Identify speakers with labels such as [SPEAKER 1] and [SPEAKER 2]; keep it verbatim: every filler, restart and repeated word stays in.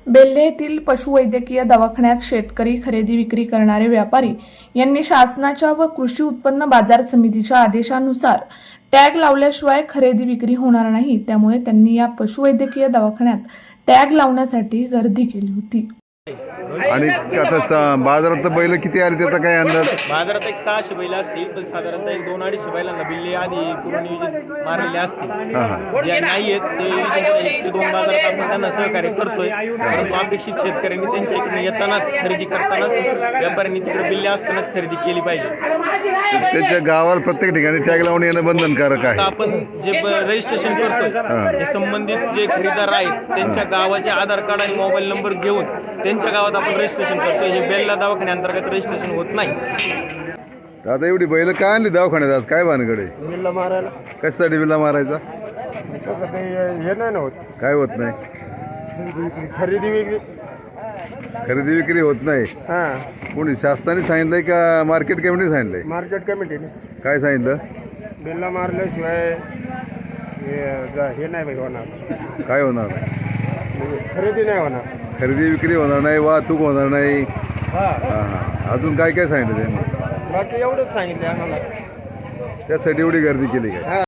[SPEAKER 1] बेल्हे येथील पशुवैद्यकीय दवाखान्यात शेतकरी खरेदी विक्री करणारे व्यापारी यांनी शासनाच्या व कृषी उत्पन्न बाजार समितीच्या आदेशानुसार टॅग लावल्याशिवाय खरेदी विक्री होणार नाही, त्यामुळे त्यांनी या पशुवैद्यकीय दवाखान्यात टॅग लावण्यासाठी गर्दी केली होती।
[SPEAKER 2] आणि आता स- बाजारात बैल किती आले त्याचा काय अंदाज?
[SPEAKER 3] बाजारात एक सहाशे बैल असतील, पण साधारणतः एक दोन अडीचशे बैलांना बिल्ले आधी करून नियोजित मारलेले असतील।
[SPEAKER 2] हां हां
[SPEAKER 3] जे नाही आहेत ते एक ते दोन बाजारात आपण त्यांना सहकार्य करतोय, परंतु अपेक्षित शेतकऱ्यांनी त्यांच्या इकडे येतानाच खरेदी करतानाच व्यापाऱ्यांनी तिकडे बिल्ले असतानाच खरेदी केली पाहिजे।
[SPEAKER 2] त्याच्या गावाला प्रत्येक ठिकाणी टॅग लावून येणं बंधनकारक
[SPEAKER 3] आता
[SPEAKER 2] आहे।
[SPEAKER 3] आपण जे रजिस्ट्रेशन करतोय ते संबंधित जे खरेदीदार आहेत त्यांच्या गावाचे आधार कार्ड आणि मोबाईल नंबर घेऊन त्यांच्या गावात आपण रजिस्ट्रेशन करतोय। हे बेल्ला दवाखान्याअंतर्गत रजिस्ट्रेशन होत नाही।
[SPEAKER 2] आता एवढी बैल काय आणली दवाखान्यात आज? काय भानगडे?
[SPEAKER 4] बिल्ला मारायला
[SPEAKER 2] कशासाठी बिल्ला मारायचा?
[SPEAKER 4] तसं काही हे नाही ना होत,
[SPEAKER 2] काय होत नाही?
[SPEAKER 4] खरेदी वेगळी।
[SPEAKER 2] खरेदी विक्री होत नाही।
[SPEAKER 4] हां,
[SPEAKER 2] कोणी शासनाने सांगितलंय का मार्केट कमिटीने सांगितलंय?
[SPEAKER 4] मार्केट कमिटीने
[SPEAKER 2] काय सांगितलं?
[SPEAKER 4] बिल्ला मारल्याशिवाय हे ज- हे नाही बाई होणार,
[SPEAKER 2] काय होणार?
[SPEAKER 4] म्हणजे खरेदी नाही होणार।
[SPEAKER 2] खरेदी विक्री होणार नाही, वाहतूक होणार नाही।
[SPEAKER 4] हां,
[SPEAKER 2] हां हां अजून काय काय सांगितलं त्यांनी?
[SPEAKER 4] बाकी एवढंच सांगितलं आम्हाला।
[SPEAKER 2] त्यासाठी एवढी गर्दी केली काय?